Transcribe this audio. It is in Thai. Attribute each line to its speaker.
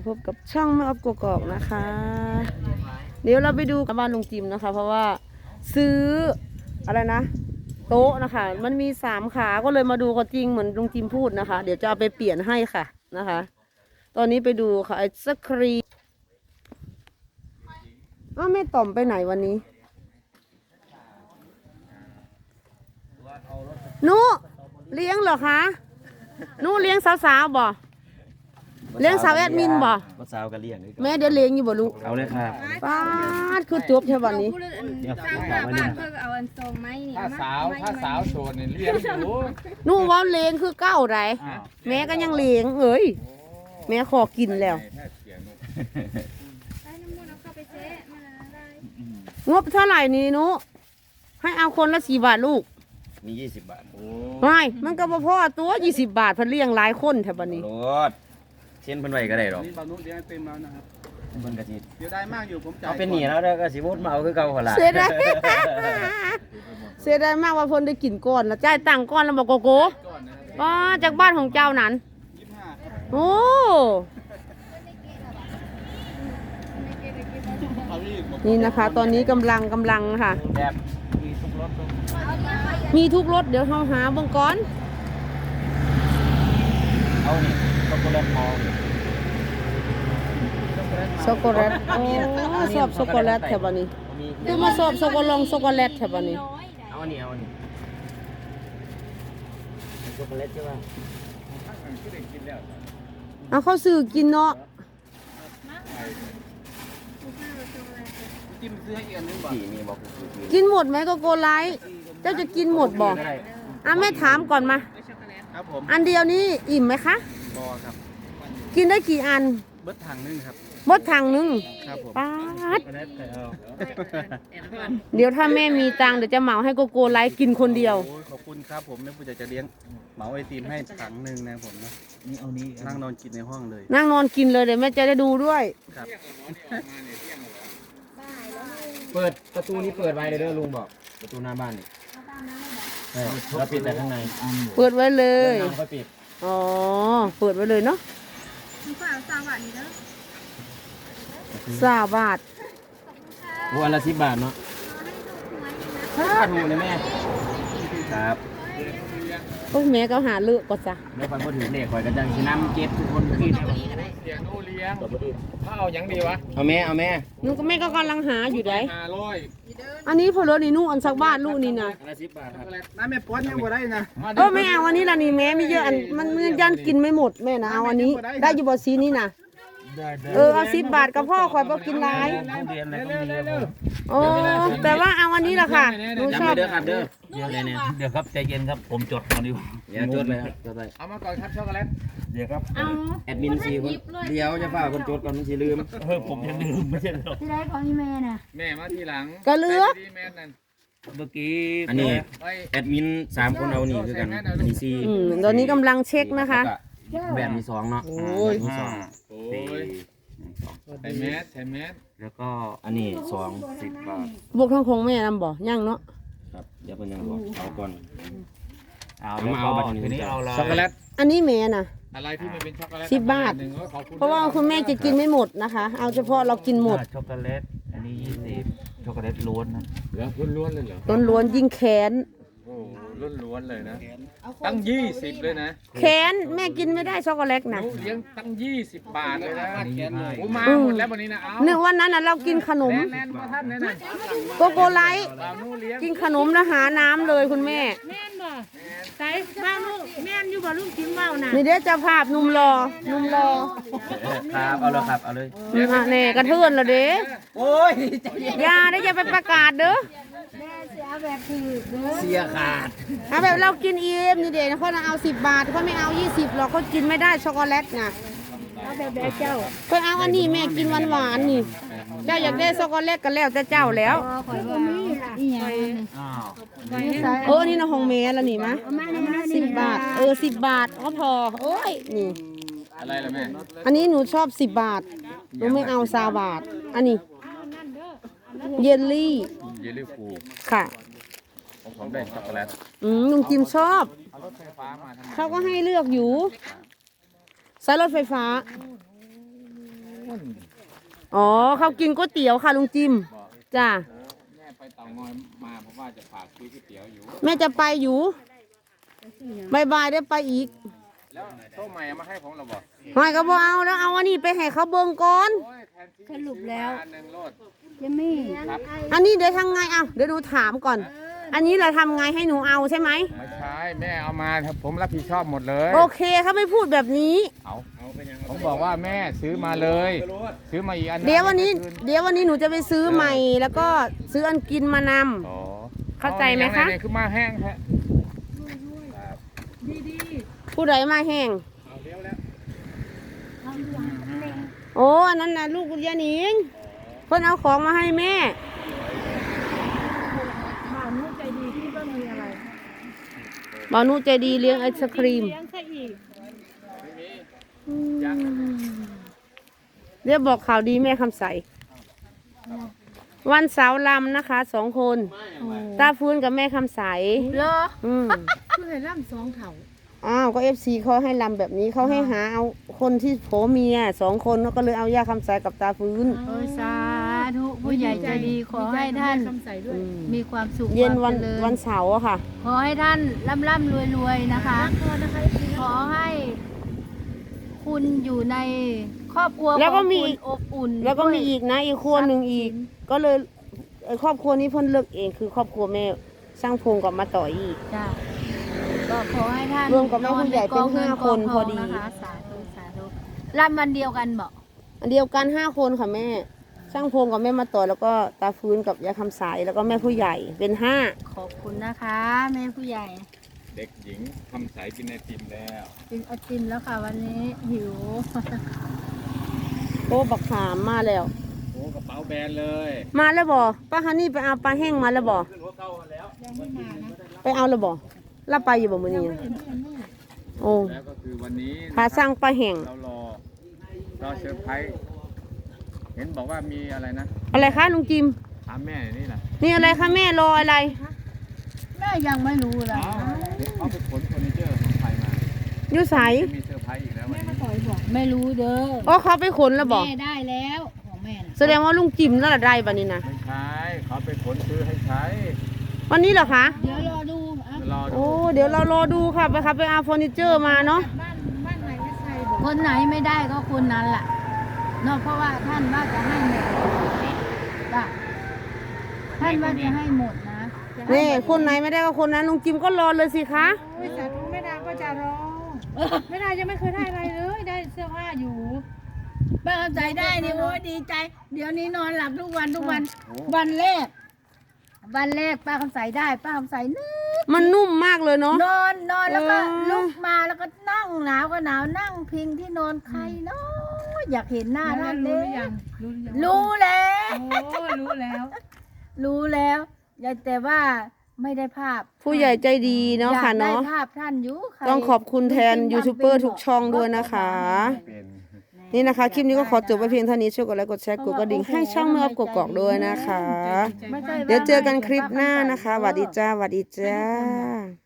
Speaker 1: พบกับช่องแม่ออฟกกอกนะคะ เดี๋ยวเราไปดูบ้านลุงจิมนะคะ เพราะว่าซื้ออะไรนะโต๊ะนะคะ มันมี3 ขาก็เลยมาดูก็จริงเหมือนลุงจิมพูดนะคะ เดี๋ยวจะเอาไปเปลี่ยนให้ค่ะนะคะ ตอนนี้ไปดูค่ะไอศครีมแม่ต่อมไปไหนวันนี้นุเลี้ยงเหรอคะนุเลี้ยงสาวๆบ่เลี้ยงสาวแอดมินบ่
Speaker 2: สาวก็เลี้ยง
Speaker 1: แม่เดี๋ยวเลี้ยงอยู่บ่ลูก
Speaker 2: เอาเลยครับ
Speaker 1: ป้าดคือจบใช่วันนี้
Speaker 3: ถ้าสาวโสดเนี่ยเลี้ยงอยู่
Speaker 1: นู่ว่าเลี้ยงคือเก้าไรแม่ก็ยังเลี้ยงเอ้ยแม่ขอกินแล้วงบเท่าไหร่นี่นุให้เอาคนละ4 บาทลูก
Speaker 2: มี20 บาท
Speaker 1: ไม่มันก็บ่พอตัว20 บาทเพิ่นเลี้ยงหลายคนแถวบัดนี้
Speaker 2: รถเช่นเพิ่นไว้ก็ได้หรอก
Speaker 3: นี่บางนุเลี้ยงเต็มแล้วนะครับ
Speaker 2: เพิ่นก็สิ
Speaker 3: เดี๋ยวได้มากอยู่ผมจ่าย
Speaker 2: เอาเป็นหนี้แล้วเด้อก็สิมุดมาเอาคือเก่าหั่นล่ะ
Speaker 1: เสียดายเสียดายมากว่าเพิ่นได้กินก่อนแล้วจ่ายตังค์ก่อนแล้วบอกโกโก้ป้าจากบ้านของเจ้านั้น
Speaker 3: 25
Speaker 1: โอ้นี่นะคะ ตอนนี้กำลังค่ะ
Speaker 2: แบบ
Speaker 1: มีทุกรถเดี๋ยวเราหาเบื้องก่อน
Speaker 2: เอานี่ช็อกโกแลตมอล
Speaker 1: ช็อกโกแลตชอบช็อกโกแลตแถวบ้านนี้คือมาชอบช็อกโกแลตแถวบ้านนี้
Speaker 2: เอาอันนี้ช็อกโกแลตใช่ป่ะ
Speaker 1: เอาเข้าซื้อกินเนาะ
Speaker 3: จิ้มซื้อให้อีกอันนึงบ่
Speaker 2: มีบอก
Speaker 1: กินหมดไหมโกโก้ไลท์เจ้าจะกินหมดบ่แม่ถามก่อนมา
Speaker 3: ครับผม
Speaker 1: อันเดียวนี้อิ่มไหมคะ
Speaker 3: พอครับ
Speaker 1: กินได้กี่อัน
Speaker 3: เบิดถังนึงครับ
Speaker 1: บดถังนึง
Speaker 3: ครับผม
Speaker 1: ป๊าดเดี๋ยวถ้าแม่มีตังค์เดี๋ยวจะเหมาให้โกโก้ไลท์กินคนเดียว
Speaker 3: ขอบคุณครับผมแม่ผู้ใหญ่จะเลี้ยงเหมาไอติมให้ถังนึงนะผมนะ
Speaker 2: นี่เอานี้
Speaker 3: นั่งนอนกินในห้องเลย
Speaker 1: นั่งนอนกินเลยเดี๋ยวแม่จะได้ดูด้วย
Speaker 3: ครับ
Speaker 2: เปิดประตูนี้เปิดไว้เลยเด้อลุงบอกประตูหน้าบ้านนี่เราปิดแต่ข้างใน
Speaker 1: เปิดไว้เลย
Speaker 2: เราปิด
Speaker 1: อ๋อเปิดไว้เลยเนาะ20 บาท
Speaker 2: วันละ10 บาทเนาะค่าถูกเลยแม่ครับ
Speaker 1: โอ้แม่ก็หาเลือกก็จ้ะ
Speaker 2: แม่ฟังพูดถึงเด็กข่อยกันจังสิน้ำเก็บทุกคนขึ้น
Speaker 3: เสียโนเลี้ยงถ้าเอาอย่างดีวะ
Speaker 2: เอาแม่
Speaker 1: นูก็แม่ก็กำลังหาอยู่ได้
Speaker 3: 500
Speaker 1: อันนี้พอรถนี่นู่อันสักบาทลูกนี่นะ
Speaker 2: 10 บาทครับ
Speaker 3: น้าแม่ป้อนยังบ่ได้นะ
Speaker 1: ไม่เอาอันนี้ละนี่แม่ไม่เยอะอันมันยันกินไม่หมดแม่นะเอาอันนี้ได้อยู่บ่ซีนี้นะเอา10 บาทกับพ่อคอยบ่กินหลายโอ้แต่ว่าเอาอันนี้ล่ะค่ะหนูชอบ
Speaker 2: เด้อครับเด้อเดี๋ยวครับใจเย็นครับผมจดก่อนดิจดเลยครับจดเลย
Speaker 3: เอามาก่อนครับช็อกโกแลต
Speaker 2: เดี๋ยวครับแอดมิน4 คนเดี๋ยวจะฝากคนจดก่อนมันสิลืมผมยังลืมไม่ใช่หรอ
Speaker 4: ที่ได้ของอีเมลน่ะ
Speaker 3: แม่มาทีหลัง
Speaker 1: ก็เลือก
Speaker 2: เมื่อกี้อันนี้แอดมิน3 คนเอานี่คือกันอันนี้4
Speaker 1: ตอนนี้กำลังเช็คนะคะ
Speaker 2: แบบมี2เนาะ
Speaker 1: โอ้ย
Speaker 3: ใส่แมส
Speaker 2: แล้วก็อันนี้10 บาท
Speaker 1: บวกทั้งคงแม่นำบ่ย่างเนาะ
Speaker 2: ครับเดี๋ยวเพิ่นยังบอกเอาก่อน
Speaker 3: เอาบัตรนี้เอาช็อกโกแลต
Speaker 1: อันนี้แม่น่ะ
Speaker 3: อะไรที่มันเป็นช็อกโกแลต
Speaker 1: 10 บาทเพราะว่าคุณแม่จะกินไม่หมดนะคะเอาเฉพาะเรากินหมด
Speaker 2: ช็อกโกแลตอันนี้20ช็อกโกแลตล้วนนะ
Speaker 3: แล้วล้วนเลยเหรอ
Speaker 1: ล้วนยิ่งแค้น
Speaker 3: โอ้ล้วนเลยนะตั้ง20เลยนะ
Speaker 1: แค้นแม่กินไม่ได้ช็อกโกแลตนะ
Speaker 3: เลี้ยงตั้ง20 บาทเลยนะโอ้มาหมดแล้ววันนี้นะเอา
Speaker 1: เนื่อวันนั้นน่ะเรากินขนมโกโก้ไลท์กินขนมแล้วหาน้ำเลยคุณแม่
Speaker 4: แม่นบ่ใส่บ้านลูกแม่นอยู่บ่ลูกกินเมาน่ะ
Speaker 1: นี่เดี๋ยวจะภาพนุ่มรอ
Speaker 2: ครับเอาเลยครับเอาเลย
Speaker 1: แน่กระเทือนละเด้
Speaker 2: โอ้ย
Speaker 1: อย่าได้จะไปประกาศเด้อ
Speaker 4: แม่เสียแบบคือ
Speaker 2: เสียขาด
Speaker 1: เอาแบบเรากินเองนี่เด็กเขาเอา10 บาทเขาไม่เอา20หรอกเขากินไม่ได้ช็อกโกแลตไง
Speaker 4: เอาแบบเจ้า
Speaker 1: เขาเอาอันนี้แม่กินหวานนี่เจ้าอยากได้ช็อกโกแลตกันแล้วจะเจ้าแล้ว
Speaker 4: ข่อยว่าอีห
Speaker 1: ยังนี่นะของแม่แล้วนี่มะ10 บาท10 บาทก็พอโอ้ยนี่
Speaker 3: อะไรล่ะแม่
Speaker 1: อันนี้หนูชอบ10 บาทหนูไม่เอา20 บาทอันนี้เยลลี่
Speaker 3: ฟู
Speaker 1: ค่ะ
Speaker 3: ผมได้ช็อกโกแลต
Speaker 1: ลุงจิมชอบเขาก็ให้เลือกอยู่สายรถไฟฟ้าอ๋อเขากินก๋วยเตี๋ยวค่ะลุงจิมจ้า
Speaker 2: แม่ไปเตางอยมาเพราะว่าจะฝากซื้อก๋วยเตี๋ยวอยู่
Speaker 1: แม่จะไปอยู่บายได้ไปอีก
Speaker 2: แล้วโต๊ะใหม่เอามาให้ผมเหรอบอก
Speaker 1: หอยก็บ่เอาแล้วเอาอันนี้ไปให้เขาเบิ่งก่อน
Speaker 2: โอ้ยแทนที่
Speaker 5: สรุปแล้ว
Speaker 2: อันหนึ่งโลด
Speaker 5: เจมี่
Speaker 2: ครับ
Speaker 1: อันนี้เดี๋ยวทำไงเอาเดี๋ยวดูถามก่อน อันนี้เราทำไงให้หนูเอาใช่ไหม
Speaker 2: ไม่ใช่แม่เอามาผมรับผิดชอบหมดเลย
Speaker 1: โอเคเขาไม่พูดแบบนี้
Speaker 2: ผมบอกว่าแม่ซื้อมาเลย ซื้อมาอีกอัน
Speaker 1: เดี๋ยววันนี้หนูจะไปซื้อใหม่ แล้วก็ซื้ออันกินมานำ
Speaker 2: อ๋อ
Speaker 1: เข้าใจไหมคะ
Speaker 2: เนี่ยคือมาแห้งแท้
Speaker 1: ผู้ใดมาแห้งโอ้อันนั้นนะลูกคุณยานิงเพิ่นเอาของมาให้แม่
Speaker 4: ถามลูกใจดีที่ว่ามีอะไร
Speaker 1: หมอนุใจดีเลี้ยงไอศครีม
Speaker 4: เลี้ยงซะอีก
Speaker 1: เรียกบอกข่าวดีแม่คำใส วันเสาร์ลำนะคะ2 คน ตาฟื้นกับแม่คำใส
Speaker 5: เหรอ
Speaker 1: อืม
Speaker 4: คือให้ร่ำ2เถา
Speaker 1: อ้าวก็FCเขาให้ลำแบบนี้เขาให้หาเอาคนที่โผเมีย2 คนก็เลยเอาย่าคำใสกับตาฟื้น
Speaker 5: โอ้ยสาธุผู้ใหญ่ใจดีขอให้ท่าน
Speaker 4: คำใสด้วย
Speaker 5: มีความสุข
Speaker 1: เย็น
Speaker 5: ความ
Speaker 1: วัน
Speaker 5: เจริญ
Speaker 1: วันเสาร์อะค่ะ
Speaker 5: ขอให้ท่านร่ำรวยๆนะคะ ขอให้คุณอยู่ในครอบครัว
Speaker 1: แล้วก็
Speaker 5: ของ
Speaker 1: มี
Speaker 5: คุณอบอุ่น
Speaker 1: แล้วก็มี
Speaker 5: ด้วย
Speaker 1: อีกนะอีกครัวหนึ่งอีก ก็เลยครอบครัวนี้เพิ่นเลือกเองคือครอบครัวแม่สร้างพงกับมาต่ออีก
Speaker 5: จ้ะก็ขอให้ท่าน
Speaker 1: รวมกับแม่ผู้ใหญ่เป็น
Speaker 5: อใกองงิ
Speaker 1: 5 คน
Speaker 5: กงทง
Speaker 1: พอดี
Speaker 5: นะคะสาธุสาธุร่ำวันเดียวกันบอก
Speaker 1: อันเดียวกัน5 คนค่ะแม่สร้างพงกับแม่มาต่อแล้วก็ตาฟื้นกับยาคำสายแล้วก็แม่ผู้ใหญ่เป็น5
Speaker 5: ขอบคุณนะคะ แม่ผู้ใหญ่
Speaker 2: เด็กหญิงทำสายกินไอติมแล้ว
Speaker 5: กินไอติมแล้วค่ะวันนี้หิว
Speaker 1: โอ้บักขามมาแล้ว
Speaker 2: โอ้กระเป๋าแบนเลย
Speaker 1: มาแล้วบ่ป้าฮันนี่ไปเอาปลาแห้งมาแล้วบ่ไปเอาแล้วบ่รับไปอยู่บ่มื้อนี้โอ้
Speaker 2: แล้วก็คือวันนี้
Speaker 1: พาสร้างปลาแห้ง
Speaker 2: เรารอเซอร์ไพรส์เห็นบอกว่ามีอะไรนะ
Speaker 1: อะไรคะลุงจิม
Speaker 2: ถามแม่นี่นะ
Speaker 1: นี่อะไรคะแม่รออะไร
Speaker 5: แม่ยังไม่รู้เลย
Speaker 2: เขาไปขนเฟอร์นิเจอร์ของไทยมา
Speaker 1: อยู่ไส
Speaker 2: จะมีเซอร์ไพรส์อีกแล้ววันนี้
Speaker 5: ไม่รู้เด้อ
Speaker 1: อ๋อเขาไปขนแล้วบ่
Speaker 5: แม่ได้แล้วของแม่น่ะ
Speaker 1: แสดงว่าลุงจิมแล้วล่ะได้บัดนี้นะ
Speaker 2: ไม่ใช่เขาไปขนซื้อให้ใช้
Speaker 1: วันนี้เหรอคะ
Speaker 5: เดี๋ยวรอดูอ่ะ
Speaker 2: รอดู
Speaker 1: โอ้เดี๋ยวเรารอดูค่ะไปครับไปเอาเฟอร์นิเจอร์มาเนาะ
Speaker 4: บ้านไหนไม่ใช่บอก
Speaker 5: คนไหนไม่ได้ก็คนนั้นล่ะเนาะเพราะว่าท่านว่าจะให้หมดจ้ะท่านว่าจะให้หมดนะ
Speaker 1: นี่คนไหนไม่ได้ก็คนนั้นลุงจิมก็รอเลยสิคะ
Speaker 4: โอ้ยสาธุแม่ดาก็จะรอแม่ดายังไม่เคยได้อะไรเลยได้เสื้อผ้าอยู่
Speaker 5: ป้าคำใสได้นี่โอ้ยดีใจ เดี๋ยวนี้นอนหลับทุกวันทุกวัน วันแรกป้าคำใสได้ป้าคำใสนึก
Speaker 1: มันนุ่มมากเลยเนาะ
Speaker 5: นอนแล้วก็
Speaker 1: เออ
Speaker 5: ลุกมาแล้วก็นั่งหนาวก็หนาวนั่งพิงที่นอนใครเนาะอยากเห็นหน้าท่านเล
Speaker 4: รู้ห
Speaker 5: ย
Speaker 4: รือยังรู้หรือยัง
Speaker 5: รู้แล้ว
Speaker 4: โอ้รู้แล้ว
Speaker 5: รู้แล้วแต่ว่าไม่ได้ภาพ
Speaker 1: ผู้ใหญ่ใจดีเนาะค่ะ
Speaker 5: อยกได้
Speaker 1: เนาะ
Speaker 5: ภาพท่านอยู่ใคร
Speaker 1: ต้องขอบคุณแทนยูทูบเบอร์ทุกช่องด้วยนะคะ
Speaker 2: เป็น
Speaker 1: นี่นะคะ คลิปนี้ก็ขอจบไปเพียงเท่านี้ช่วยกดไลค์กดแชร์กดกระดิ่งให้ช่องเมื่อกกอกด้วยนะคะ
Speaker 5: ไม่ใช่
Speaker 1: เดี๋ยวเจอกันคลิปหน้านะคะสวัสดีจ้าสวัสดีจ้า